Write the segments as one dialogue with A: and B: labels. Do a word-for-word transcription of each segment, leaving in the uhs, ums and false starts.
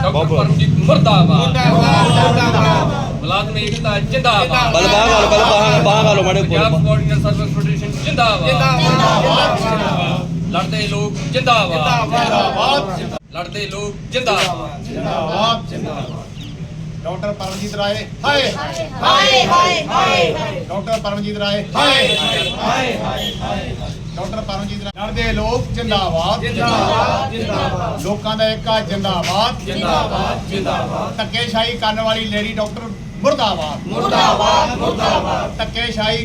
A: Doctor Paramjit मुर्दाबाद मुलाजम एकता जिंदाबाद
B: बल बाहर गालो बल बाहर बाहर गालो माड़े
A: पंजाब कोऑर्डिनेटर सर्विस फेडरेशन जिंदाबाद लड़ते लोग जिंदाबाद लड़ते लोग जिंदाबाद
C: डॉक्टर परमजीत राय हाय हाय हाय हाय डॉक्टर परमजीत राय हाय हाय हाय डॉक्टर परमजीत राय लड़ते लोग जिंदाबाद जिंदाबाद जिंदाबाद लोकां दा एकता जिंदाबाद जिंदाबाद जिंदाबाद धक्केशाही करने वाली लेडी डॉक्टर मुर्दाबाद मुर्दाबाद मुर्दाबाद धक्केशाही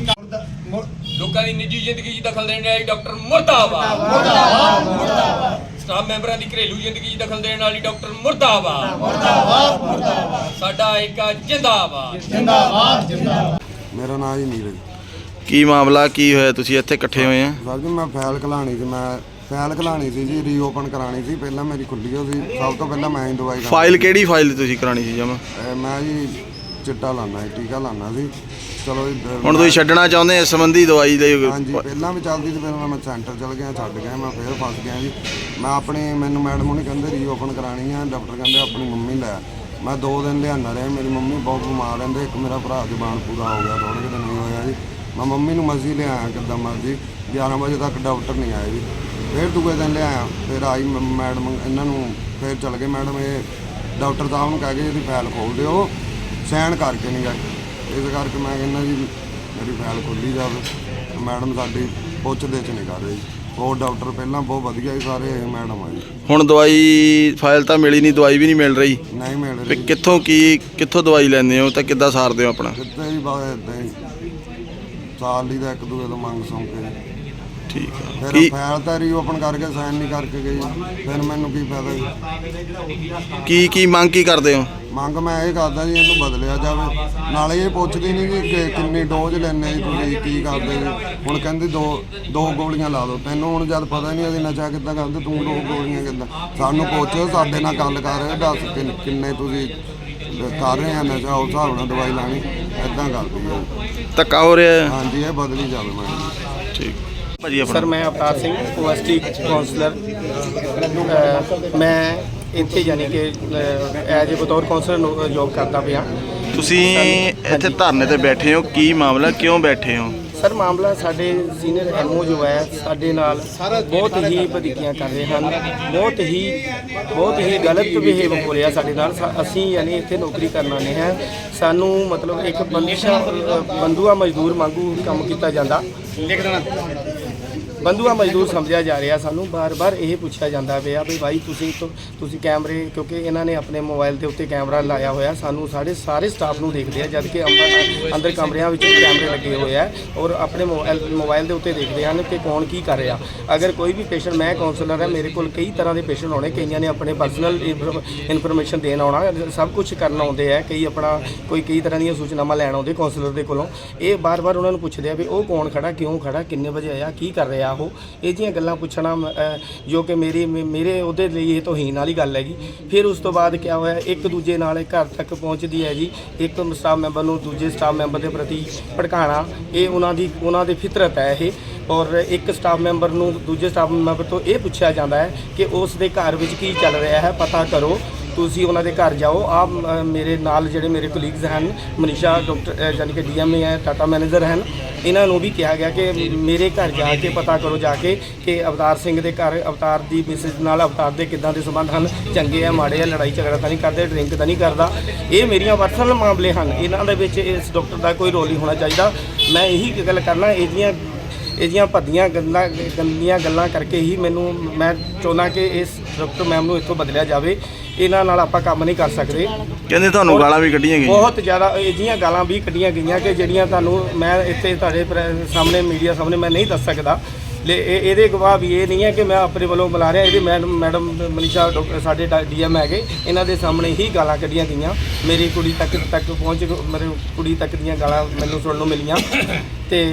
A: लोकां दी निजी जिंदगी च दखल देने वाली डॉक्टर मुर्दाबाद
C: मुर्दाबाद मुर्दाबाद
A: स्टाफ मैंबरां दी घरेलू जिंदगी च दखल देने वाली डॉक्टर मुर्दाबाद
C: मुर्दाबाद मुर्दाबाद
A: साडा एकता जिंदाबाद
C: जिंदाबाद जिंदाबाद
D: मेरा नाम जी नीरज
B: ਕੀ ਮਾਮਲਾ ਕੀ ਹੋਇਆ ਤੁਸੀਂ ਇੱਥੇ ਇਕੱਠੇ ਹੋਏ ਆ
D: ਸਰ ਜੀ ਮੈਂ ਫਾਈਲ ਖਲਾਣੀ ਸੀ ਮੈਂ ਫਾਈਲ ਖਲਾਣੀ ਸੀ ਜੀ ਰੀਓਪਨ ਕਰਾਣੀ ਸੀ ਪਹਿਲਾਂ ਮੇਰੀ ਖੁੱਲੀ ਹੋ ਸੀ ਸਭ ਤੋਂ ਪਹਿਲਾਂ ਮੈਂ ਹੀ ਦਵਾਈ ਖਾਣੀ।
B: ਫਾਈਲ ਕਿਹੜੀ ਫਾਈਲ ਤੁਸੀਂ ਕਰਾਣੀ ਸੀ ਜਮਾ
D: ਇਹ ਮੈਂ ਜੀ ਚਿੱਟਾ ਲਾਣਾ ਸੀ ਟੀਕਾ ਲਾਣਾ ਸੀ ਚਲੋ ਜੀ,
B: ਹੁਣ ਤੁਸੀਂ ਛੱਡਣਾ ਚਾਹੁੰਦੇ ਇਸ ਸੰਬੰਧੀ ਦਵਾਈ ਦੇ
D: ਹਾਂਜੀ ਪਹਿਲਾਂ ਵੀ ਚੱਲਦੀ ਸੀ ਫਿਰ ਮੈਂ ਸੈਂਟਰ ਚਲ ਗਿਆ ਛੱਡ ਗਿਆ ਮੈਂ ਫਿਰ ਫਸ ਗਿਆ ਜੀ ਮੈਂ ਆਪਣੀ ਮੈਨੂੰ ਮੈਡਮ ਉਹਨੇ ਕਹਿੰਦੇ ਰੀਓਪਨ ਕਰਾਣੀ ਆ ਡਾਕਟਰ ਕਹਿੰਦੇ ਆਪਣੀ ਮੰਮੀ ਲੈ ਮੈਂ ਦੋ ਦਿਨ ਲਿਆਣਾ ਰਿਹਾ ਮੇਰੀ ਮੰਮੀ ਬਹੁਤ ਬਿਮਾਰ ਰਹਿੰਦੇ ਇੱਕ ਮੇਰਾ ਭਰਾ ਜ਼ਬਾਨ ਪੂਰਾ ਹੋ ਗਿਆ ਥੋੜ੍ਹੇ ਕੁ ਦਿਨ ਨਹੀਂ ਹੋਇਆ ਜੀ ਮੈਂ ਮੰਮੀ ਨੂੰ ਮਰਜ਼ੀ ਲਿਆਇਆ ਕਿੱਦਾਂ ਮਰਜ਼ੀ ਗਿਆਰਾਂ ਵਜੇ ਤੱਕ ਡਾਕਟਰ ਨਹੀਂ ਆਏ ਜੀ ਫਿਰ ਦੂਜੇ ਦਿਨ ਲਿਆਇਆ ਫਿਰ ਆਈ ਮੈਡਮ ਇਹਨਾਂ ਨੂੰ ਫਿਰ ਚਲ ਗਏ ਮੈਡਮ ਇਹ ਡਾਕਟਰ ਸਾਹਿਬ ਨੂੰ ਕਹਿ ਕੇ ਇਹਦੀ ਫਾਈਲ ਖੋਲ ਦਿਓ ਸਾਈਨ ਕਰਕੇ ਨਹੀਂ ਗਏ ਇਸ ਕਰਕੇ ਮੈਂ ਕਹਿੰਦਾ ਜੀ ਮੇਰੀ ਫਾਈਲ ਖੋਲ੍ਹੀ ਜਾਵੇ ਮੈਡਮ ਸਾਡੀ ਪੁੱਛਦੇ 'ਚ ਨਹੀਂ ਕਰ ਰਹੀ ਹੋਰ ਡਾਕਟਰ ਪਹਿਲਾਂ ਬਹੁਤ ਵਧੀਆ ਸੀ ਸਾਰੇ ਮੈਡਮ ਆ ਜੀ
B: ਹੁਣ ਦਵਾਈ ਫਾਈਲ ਤਾਂ ਮਿਲੀ ਨਹੀਂ ਦਵਾਈ ਵੀ ਨਹੀਂ ਮਿਲ ਰਹੀ
D: ਨਹੀਂ ਮਿਲ
B: ਤੇ
D: ਰਹੀ
B: ਕਿੱਥੋਂ ਕੀ ਕਿੱਥੋਂ ਦਵਾਈ ਲੈਂਦੇ ਹੋ ਤਾਂ ਕਿੱਦਾਂ ਸਾਰਦੇ ਹੋ ਆਪਣਾ
D: ਕਿੱਥੇ ਜੀ ਬਸ ਇੱਦਾਂ ਹੀ ਸਾਲ ਲਈ ਦਾ ਇੱਕ ਦੂਜੇ ਤੋਂ ਮੰਗ ਸੌਂ ਕੇ
B: ਠੀਕ ਆ
D: ਫਿਰ
B: ਕੀ
D: ਫਾਈਲ ਤਾਂ ਰੀਓਪਨ ਕਰਕੇ ਸਾਈਨ ਨਹੀਂ ਕਰਕੇ ਗਈ ਫਿਰ ਮੈਨੂੰ ਕੀ ਫਾਇਦਾ ਜੀ
B: ਕੀ ਕੀ ਮੰਗ ਕੀ ਕਰਦੇ ਹੋ
D: ਮੰਗ ਮੈਂ ਇਹ ਕਰਦਾ ਜੀ ਇਹਨੂੰ ਬਦਲਿਆ ਜਾਵੇ ਨਾਲੇ ਇਹ ਪੁੱਛਦੀ ਨਹੀਂ ਜੀ ਕਿ ਕਿੰਨੀ ਡੋਜ਼ ਲੈਣੇ ਜੀ ਤੁਸੀਂ ਕੀ ਕਰਦੇ ਜੀ ਹੁਣ ਕਹਿੰਦੇ ਦੋ ਦੋ ਗੋਲੀਆਂ ਲਾ ਦਿਓ ਤੈਨੂੰ ਹੁਣ ਜਦ ਪਤਾ ਨਹੀਂ ਅਸੀਂ ਨਸ਼ਾ ਕਿੱਦਾਂ ਕਰਦੇ ਤੂੰ ਦੋ ਗੋਲੀਆਂ ਕਿੱਦਾਂ ਸਾਨੂੰ ਪੁੱਛ ਸਾਡੇ ਨਾਲ ਗੱਲ ਕਰ ਦੱਸ ਕਿੰਨ- ਕਿੰਨੇ ਤੁਸੀਂ ਕਰ ਰਹੇ ਆ ਨਸ਼ਾ ਉਸ ਹਿਸਾਬ ਨਾਲ ਦਵਾਈ ਲਾਣੀ ਇੱਦਾਂ ਕਰਦੀ ਹੈ
B: ਧੱਕਾ ਹੋ ਰਿਹਾ ਹੈ
D: ਹਾਂਜੀ ਇਹ ਬਦਲੀ ਜਾਵੇ ਮੈਂ
B: ਠੀਕ ਭਾਜੀ
E: ਸਰ
B: ਆਪਣਾ
E: ਮੈਂ ਅਵਤਾਰ ਸਿੰਘ ਓਐਸਟੀ ਕਾਉਂਸਲਰ ਮੈਂ ਇੱਥੇ ਯਾਨੀ ਕਿ ਐਜ ਏ ਬਤੌਰ ਕਾਉਂਸਲਰ ਜੋਬ ਕਰਦਾ ਪਿਆ
B: ਤੁਸੀਂ ਇੱਥੇ ਧਰਨੇ ਤੇ ਬੈਠੇ ਹੋ ਕੀ ਮਾਮਲਾ ਕਿਉਂ ਬੈਠੇ ਹੋ
E: ਸਰ ਮਾਮਲਾ ਸਾਡੇ ਸੀਨੀਅਰ ਐਮਓ ਜੋ ਹੈ ਸਾਡੇ ਨਾਲ ਬਹੁਤ ਹੀ ਵਧੀਕੀਆਂ ਕਰ ਰਹੇ ਹਨ ਬਹੁਤ ਹੀ ਬਹੁਤ ਹੀ ਗਲਤ ਬਿਹੇਵ ਹੋ ਰਿਹਾ ਸਾਡੇ ਨਾਲ ਸਾ- ਅਸੀਂ ਯਾਨੀ ਇੱਥੇ ਨੌਕਰੀ ਕਰਨ ਆਏ ਹਾਂ ਸਾਨੂੰ ਮਤਲਬ ਇੱਕ ਬੰਦਿਸ਼ਾ ਬੰਦੂਆ ਮਜ਼ਦੂਰ ਵਾਂਗੂ ਕੰਮ ਕੀਤਾ ਜਾਂਦਾ ਬੰਦੂਆ ਮਜ਼ਦੂਰ ਸਮਝਿਆ ਜਾ ਰਿਹਾ ਸਾਨੂੰ ਬਾਰ-ਬਾਰ ਇਹ ਪੁੱਛਿਆ ਜਾਂਦਾ ਪਿਆ ਵੀ ਭਾਈ ਤੁਸੀਂ ਤੋਂ ਤੁਸੀਂ ਕੈਮਰੇ ਕਿਉਂਕਿ ਇਹਨਾਂ ਨੇ ਆਪਣੇ ਮੋਬਾਈਲ ਦੇ ਉੱਤੇ ਕੈਮਰਾ ਲਾਇਆ ਹੋਇਆ ਸਾਨੂੰ ਸਾਡੇ ਸਾਰੇ ਸਟਾਫ ਨੂੰ ਦੇਖਦੇ ਆ ਜਦ ਕਿ ਅੰਦਰ ਅੰਦਰ ਕਮਰਿਆਂ ਵਿੱਚ ਕੈਮਰੇ ਲੱਗੇ ਹੋਏ ਆ ਔਰ ਆਪਣੇ ਮੋਬਾਈਲ ਮੋਬਾਈਲ ਦੇ ਉੱਤੇ ਦੇਖਦੇ ਹਨ ਕਿ ਕੌਣ ਕੀ ਕਰ ਰਿਹਾ ਅਗਰ ਕੋਈ ਵੀ ਪੇਸ਼ੈਂਟ ਮੈਂ ਕਾਉਂਸਲਰ ਹਾਂ ਮੇਰੇ ਕੋਲ ਕਈ ਤਰ੍ਹਾਂ ਦੇ ਪੇਸ਼ੈਂਟ ਆਉਣੇ ਕਈਆਂ ਨੇ ਆਪਣੇ ਪਰਸਨਲ ਇਨਫੋਰਮੇਸ਼ਨ ਦੇਣ ਆਉਣਾ ਸਭ ਕੁਝ ਕਰਨ ਆਉਂਦੇ ਆ ਕਈ ਆਪਣਾ ਕੋਈ ਕਈ ਤਰ੍ਹਾਂ ਦੀਆਂ ਸੂਚਨਾਵਾਂ ਲੈਣ ਆਉਂਦੇ ਕਾਉਂਸਲਰ ਦੇ ਕੋਲੋਂ ਇਹ ਬਾਰ-ਬਾਰ ਉਹਨਾਂ ਨੂੰ ਪੁੱਛਦੇ ਆ ਵੀ ਉਹ ਕੌਣ ਖੜਾ ਕਿਉਂ ਖੜਾ ਕਿੰਨੇ ਵਜੇ ਆਇਆ ਕੀ ਕਰ ਰਿਹਾ ਉਹ ਇਹ ਜਿਹੀਆਂ ਗੱਲਾਂ ਪੁੱਛਣਾ ਜੋ ਕਿ ਮੇਰੀ ਮੇਰੇ ਉਹਦੇ ਲਈ ਇਹ ਤੋਹੀਨ ਵਾਲੀ ਗੱਲ ਹੈਗੀ ਫਿਰ ਉਸ ਤੋਂ ਬਾਅਦ ਕਿਆ ਹੋਇਆ ਇੱਕ ਦੂਜੇ ਨਾਲ ਘਰ ਤੱਕ ਪਹੁੰਚਦੀ ਹੈ ਜੀ ਇੱਕ ਸਟਾਫ ਮੈਂਬਰ ਨੂੰ ਦੂਜੇ ਸਟਾਫ ਮੈਂਬਰ ਦੇ ਪ੍ਰਤੀ ਭੜਕਾਉਣਾ ਇਹ ਉਹਨਾਂ ਦੀ ਉਹਨਾਂ ਦੀ ਫਿਤਰਤ ਹੈ ਇਹ ਔਰ ਇੱਕ ਸਟਾਫ ਮੈਂਬਰ ਨੂੰ ਦੂਜੇ ਸਟਾਫ ਮੈਂਬਰ ਤੋਂ ਇਹ ਪੁੱਛਿਆ ਜਾਂਦਾ ਹੈ ਕਿ ਉਸ ਦੇ ਘਰ ਵਿੱਚ ਕੀ ਚੱਲ ਰਿਹਾ ਹੈ ਪਤਾ ਕਰੋ ਤੁਸੀਂ ਉਹਨਾਂ ਦੇ ਘਰ ਜਾਓ ਆਪ ਮੇਰੇ ਨਾਲ ਜਿਹੜੇ ਮੇਰੇ ਕੋਲੀਗਸ ਹਨ ਮਨੀਸ਼ਾ ਡਾਕਟਰ ਯਾਨੀ ਕਿ ਡੀਐਮਏ ਹੈ ਟਾਟਾ ਮੈਨੇਜਰ ਹਨ ਇਹਨਾਂ ਨੂੰ ਵੀ ਕਿਹਾ ਗਿਆ ਕਿ ਮੇਰੇ ਘਰ ਜਾ ਕੇ ਪਤਾ ਕਰੋ ਜਾ ਕੇ ਕਿ ਅਵਤਾਰ ਸਿੰਘ ਦੇ ਘਰ ਅਵਤਾਰ ਦੀ ਮਿਸਿਸ ਨਾਲ ਅਵਤਾਰ ਦੇ ਕਿੱਦਾਂ ਦੇ ਸੰਬੰਧ ਹਨ ਚੰਗੇ ਆ ਮਾੜੇ ਆ ਲੜਾਈ ਝਗੜਾ ਤਾਂ ਨਹੀਂ ਕਰਦੇ ਡਰਿੰਕ ਤਾਂ ਨਹੀਂ ਕਰਦਾ ਇਹ ਮੇਰੀਆਂ ਪਰਸਨਲ ਮਾਮਲੇ ਹਨ ਇਹਨਾਂ ਦੇ ਵਿੱਚ ਇਸ ਡਾਕਟਰ ਦਾ ਕੋਈ ਰੋਲ ਨਹੀਂ ਹੋਣਾ ਚਾਹੀਦਾ ਮੈਂ ਇਹੀ ਗੱਲ ਕਰਨਾ ਇਹਦੀਆਂ ਇਹਦੀਆਂ ਭੱਦੀਆਂ ਗੱਲਾਂ ਗੰਦੀਆਂ ਗੱਲਾਂ ਕਰਕੇ ਹੀ ਮੈਨੂੰ ਮੈਂ ਚਾਹੁੰਦਾ ਕਿ ਇਸ ਡਾਕਟਰ ਮੈਮ ਨੂੰ ਇੱਥੋਂ ਬਦਲਿਆ ਜਾਵੇ ਇਹਨਾਂ ਨਾਲ ਆਪਾਂ ਕੰਮ ਨਹੀਂ ਕਰ ਸਕਦੇ
B: ਕਹਿੰਦੇ ਤੁਹਾਨੂੰ ਗਾਲਾਂ ਵੀ ਕੱਢੀਆਂ ਗਈਆਂ
E: ਬਹੁਤ ਜ਼ਿਆਦਾ ਅਜਿਹੀਆਂ ਗਾਲਾਂ ਵੀ ਕੱਢੀਆਂ ਗਈਆਂ ਕਿ ਜਿਹੜੀਆਂ ਤੁਹਾਨੂੰ ਮੈਂ ਇੱਥੇ ਤੁਹਾਡੇ ਸਾਹਮਣੇ ਮੀਡੀਆ ਸਾਹਮਣੇ ਮੈਂ ਨਹੀਂ ਦੱਸ ਸਕਦਾ ਲੇ ਇਹਦੇ ਗਵਾਹ ਵੀ ਇਹ ਨਹੀਂ ਹੈ ਕਿ ਮੈਂ ਆਪਣੇ ਵੱਲੋਂ ਬੁਲਾ ਰਿਹਾ ਇਹਦੇ ਮੈਡਮ ਮੈਡਮ ਮਨੀਸ਼ਾ ਡਾਕਟਰ ਸਾਡੇ ਡੀਐਮ ਹੈਗੇ ਇਹਨਾਂ ਦੇ ਸਾਹਮਣੇ ਹੀ ਗਾਲਾਂ ਕੱਢੀਆਂ ਗਈਆਂ ਮੇਰੀ ਕੁੜੀ ਤੱਕ ਤੱਕ ਪਹੁੰਚ ਮੇਰੀ ਕੁੜੀ ਤੱਕ ਦੀਆਂ ਗਾਲਾਂ ਮੈਨੂੰ ਸੁਣਨ ਨੂੰ ਮਿਲੀਆਂ ਤੇ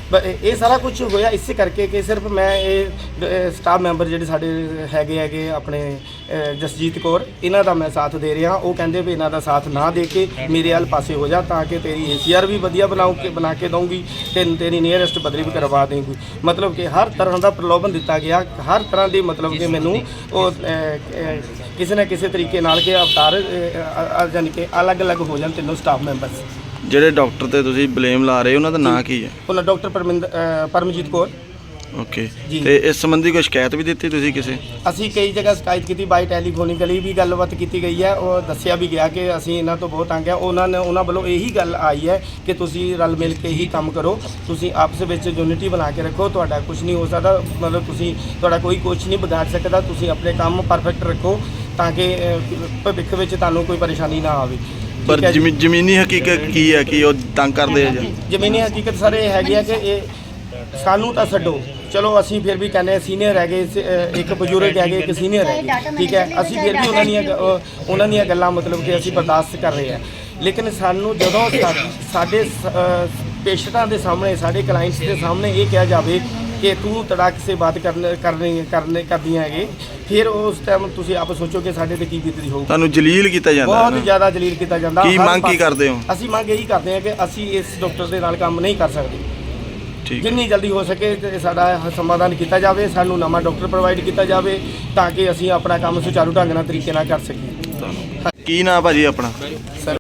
E: ਬ- ਇਹ ਇਹ ਸਾਰਾ ਕੁਝ ਹੋਇਆ ਇਸੇ ਕਰਕੇ ਕਿ ਸਿਰਫ ਮੈਂ ਇਹ ਸਟਾਫ ਮੈਂਬਰ ਜਿਹੜੇ ਸਾਡੇ ਹੈਗੇ ਹੈਗੇ ਆਪਣੇ ਅ, ਜਸਜੀਤ ਕੌਰ ਇਹਨਾਂ ਦਾ ਮੈਂ ਸਾਥ ਦੇ ਰਿਹਾ। ਉਹ ਕਹਿੰਦੇ ਵੀ ਇਹਨਾਂ ਦਾ ਸਾਥ ਨਾ ਦੇ ਕੇ ਮੇਰੇ ਵੱਲ ਪਾਸੇ ਹੋ ਜਾ ਤਾਂ ਕਿ ਤੇਰੀ ਏ ਸੀ ਆਰ ਵੀ ਵਧੀਆ ਬਣਾਉ ਕੇ ਬਣਾ ਕੇ ਦਊਂਗੀ ਤੇ ਤੇਰੀ ਨੀਅਰੈਸਟ ਬਦਲੀ ਵੀ ਕਰਵਾ ਦੇਂਗੀ। ਮਤਲਬ ਕਿ ਹਰ ਤਰ੍ਹਾਂ ਦਾ ਪ੍ਰਲੋਭਨ ਦਿੱਤਾ ਗਿਆ, ਹਰ ਤਰ੍ਹਾਂ ਦੀ ਮਤਲਬ ਕਿ ਮੈਨੂੰ ਉਹ ਅ, ਅ, ਕਿਸੇ ਨਾ ਕਿਸੇ ਤਰੀਕੇ ਨਾਲ ਕਿ ਅਵਤਾਰ ਅ, ਅ, ਯਾਨੀ ਕਿ ਅਲੱਗ-ਅਲੱਗ ਹੋ ਜਾਣ ਤਿੰਨੋਂ ਸਟਾਫ ਮੈਂਬਰਸ।
B: ਜਿਹੜੇ ਡਾਕਟਰ ਤੇ ਤੁਸੀਂ ਬਲੇਮ ਲਾ ਰਹੇ ਹੋ ਉਹਨਾਂ ਦਾ ਨਾਂ ਕੀ ਹੈ?
E: ਉਹਨਾਂ ਡਾਕਟਰ ਪਰਮਿੰਦਰ ਅ, ਪਰਮਜੀਤ ਕੌਰ।
B: ਓਕੇ,
E: ਜੀ।
B: ਤੇ ਇਸ ਸੰਬੰਧੀ ਕੋਈ ਸ਼ਿਕਾਇਤ ਵੀ ਦਿੱਤੀ ਤੁਸੀਂ ਕਿਸੇ?
E: ਅਸੀਂ ਕਈ ਜਗ੍ਹਾ ਸ਼ਿਕਾਇਤ ਕੀਤੀ, ਬਾਈ ਟੈਲੀਫੋਨਿਕਲੀ ਵੀ ਗੱਲਬਾਤ ਕੀਤੀ ਗਈ ਹੈ। ਉਹ ਦੱਸਿਆ ਵੀ ਗਿਆ ਕਿ ਅਸੀਂ ਇਹਨਾਂ ਤੋਂ ਬਹੁਤ ਤੰਗ ਆ। ਉਹਨਾਂ ਨੇ ਉਹਨਾਂ ਵੱਲੋਂ ਇਹੀ ਗੱਲ ਆਈ ਹੈ ਕਿ ਤੁਸੀਂ ਰਲ ਮਿਲ ਕੇ ਹੀ ਕੰਮ ਕਰੋ, ਤੁਸੀਂ ਆਪਸ ਵਿੱਚ ਯੂਨਿਟੀ ਬਣਾ ਕੇ ਰੱਖੋ, ਤੁਹਾਡਾ ਕੁਝ ਨਹੀਂ ਹੋ ਸਕਦਾ, ਮਤਲਬ ਤੁਸੀਂ ਤੁਹਾਡਾ ਕੋਈ ਕੁਝ ਨਹੀਂ ਵਿਗਾੜ ਸਕਦਾ। ਤੁਸੀਂ ਆਪਣੇ ਕੰਮ ਪਰਫੈਕਟ ਰੱਖੋ ਤਾਂ ਕਿ ਅ, ਭਵਿੱਖ ਵਿੱਚ ਤੁਹਾਨੂੰ ਕੋਈ ਪਰੇਸ਼ਾਨੀ ਨਾ ਆਵੇ।
B: ਪਰ
E: ਠੀਕ ਹੈ ਜੀ।
B: ਜ਼ਮੀ- ਜ਼ਮੀਨੀ ਹਕੀਕਤ ਕੀ ਹੈ ਕਿ ਉਹ ਤੰਗ ਕਰਦੇ ਆ ਜਾਂ
E: ਜ਼ਮੀਨੀ ਹਕੀਕਤ ਸਰ ਇਹ ਹੈਗੀ ਆ ਕਿ ਇਹ ਸਾਨੂੰ ਤਾਂ ਛੱਡੋ, ਚਲੋ ਅਸੀਂ ਫਿਰ ਵੀ ਕਹਿੰਦੇ ਸੀਨੀਅਰ ਹੈਗੇ, ਸ- ਅ, ਇੱਕ ਬਜ਼ੁਰਗ ਹੈਗੇ, ਇੱਕ ਸੀਨੀਅਰ ਹੈਗੇ, ਠੀਕ ਹੈ। ਅਸੀਂ ਫਿਰ ਵੀ ਉਹਨਾਂ ਦੀਆਂ ਗ- ਉਹ- ਉਹਨਾਂ ਦੀਆਂ ਗੱਲਾਂ ਮਤਲਬ ਕਿ ਅਸੀਂ ਬਰਦਾਸ਼ਤ ਕਰ ਰਹੇ ਹਾਂ। ਲੇਕਿਨ ਸਾਨੂੰ ਜਦੋਂ ਸਾ- ਸਾਡੇ ਪੇਸ਼ੈਂਟਾਂ ਦੇ ਸਾਹਮਣੇ, ਸਾਡੇ ਕਲਾਇੰਟਸ ਦੇ ਸਾਹਮਣੇ ਇਹ ਕਿਹਾ ਜਾਵੇ ਕਿ ਤੂੰ ਤੜਾਕ ਸੇ ਬਾਤ ਕਰਨ ਕਰਨੀ ਕਰਨੇ ਕਰਦੀਆਂ ਹੈਗੇ, ਫਿਰ ਉਸ ਟਾਈਮ ਤੁਸੀਂ ਆਪ ਸੋਚੋ ਕਿ ਸਾਡੇ ਤੇ ਕੀ ਬੀਤਦੀ ਹੋਊ।
B: ਤੁਹਾਨੂੰ ਜਲੀਲ ਕੀਤਾ ਜਾਂਦਾ ਹੈ
E: ਬਹੁਤ
B: ਨਾ?
E: ਜ਼ਿਆਦਾ ਜਲੀਲ ਕੀਤਾ ਜਾਂਦਾ।
B: ਕੀ
E: ਹਰ
B: ਮੰਗ ਕੀ
E: ਪਾਸੇ-
B: ਕਰਦੇ ਹੋ?
E: ਅਸੀਂ ਮੰਗ ਇਹੀ ਕਰਦੇ ਹਾਂ ਕਿ ਅਸੀਂ ਇਸ ਡਾਕਟਰ ਦੇ ਨਾਲ ਕੰਮ ਨਹੀਂ ਕਰ ਸਕਦੇ।
B: ਠੀਕ ਹੈ।
E: ਜਿੰਨੀ ਜਲਦੀ ਹੋ ਸਕੇ ਤੇ ਸਾਡਾ ਸਮਾਧਾਨ ਕੀਤਾ ਜਾਵੇ, ਸਾਨੂੰ ਨਵਾਂ ਡਾਕਟਰ ਪ੍ਰੋਵਾਈਡ ਕੀਤਾ ਜਾਵੇ ਤਾਂ ਕਿ ਅਸੀਂ ਆਪਣਾ ਕੰਮ ਸੁਚਾਰੂ ਢੰਗ ਨਾਲ ਤਰੀਕੇ ਨਾਲ ਕਰ ਸਕੀਏ।
B: ਕੀ ਨਾਂ ਭਾਜੀ ਆਪਣਾ?
E: ਸਰ